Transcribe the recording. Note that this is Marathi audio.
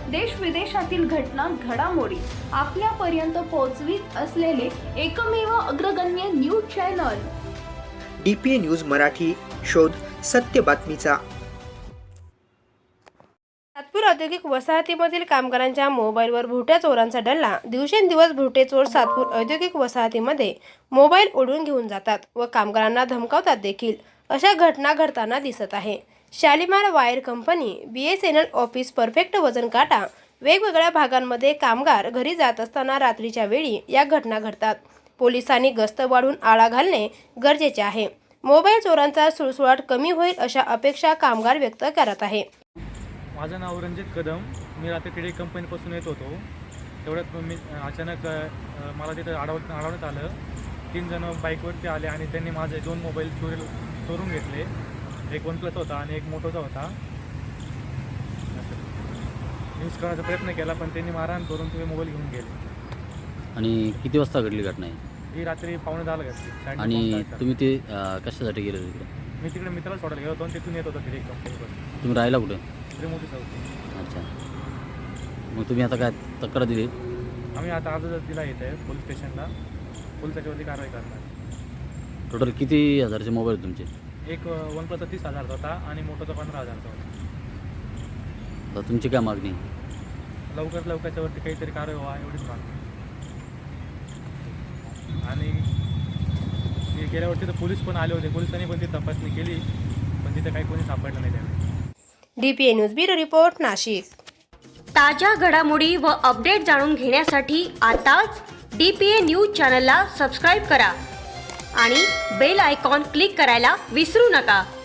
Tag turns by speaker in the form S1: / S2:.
S1: देश विदेशातील घटना घडामोडी आपल्यापर्यंत पोहोचवित असलेले एकमेव अग्रगण्य news channel
S2: DPA news Marathi. शोध सत्य बातमीचा.
S3: सातपूर औद्योगिक वसाहतीमधील कामगारांच्या मोबाईलवर भुरट्या चोरांचा डल्ला. दिवसेंदिवस भुरटे चोर सातपूर औद्योगिक वसाहतीमध्ये मोबाईल ओढून घेऊन जातात व कामगारांना धमकावतात देखील. अशा घटना घडताना दिसत आहे. Shalimar wire company, BSNL office, perfect वजन काटा, वेगवेगळ्या भागांमध्ये कामगार घरी जात असताना रात्रीच्या वेळी या घटना घडतात. पोलिसांनी गस्त वाढवून आळा घालणे गरजेचे आहे. मोबाईल चोरांचा सुळसुळाट कमी होईल अशा अपेक्षा कामगार व्यक्त करत आहे.
S4: माझं नाव रणजित कदम. मी रात्री टिडी कंपनीपासून येत होतो. तेवढ्यात मी अचानक मला तिथं अडवण्यात आलं. 3 जण बाईकवरती आले आणि त्यांनी माझे 2 मोबाईल चोरून घेतले. एक OnePlus होता आणि एक मोटोचा होता. यूज करण्याचा प्रयत्न केला पण त्यांनी मारहाण करून तुम्ही मोबाईल घेऊन गेले.
S5: आणि किती वाजता घडली घटना आहे?
S4: ही रात्री 9:15 घडली.
S5: आणि तुम्ही ते कशासाठी गेले तिकडे?
S4: मी तिकडे मित्राला सोडायला गेलो होतो आणि तिथून येत होतो टिडी कंपनीपासून.
S5: तुम्ही राहिला कुठे?
S4: मोठी चौकी.
S5: अच्छा. मग तुम्ही आता काय तक्रार दिली?
S4: आम्ही आता अर्ज दिला येते पोलीस स्टेशनला. पोलीस त्याच्यावरती कारवाई करणार.
S5: टोटल किती हजारचे मोबाईल तुमचे?
S4: एक OnePlus 30,000चा होता आणि मोटोचा 15,000चा होता.
S5: तर तुमची काय मागणी?
S4: लवकर त्याच्यावरती काहीतरी कारवाई व्हावा एवढीच मागणी. आणि गेल्या वर्षी तर पोलीस पण आले होते. पोलिसांनी पण ती तपासणी केली पण तिथे काही कोणी सापडलं नाही त्यावेळी.
S3: DPA news bureau report, Nashik.
S6: ताज्या घडामोडी व अपडेट जाणून घेण्यासाठी आताच DPA न्यूज चॅनलला सबस्क्राईब करा आणि बेल आयकॉन क्लिक करायला विसरू नका.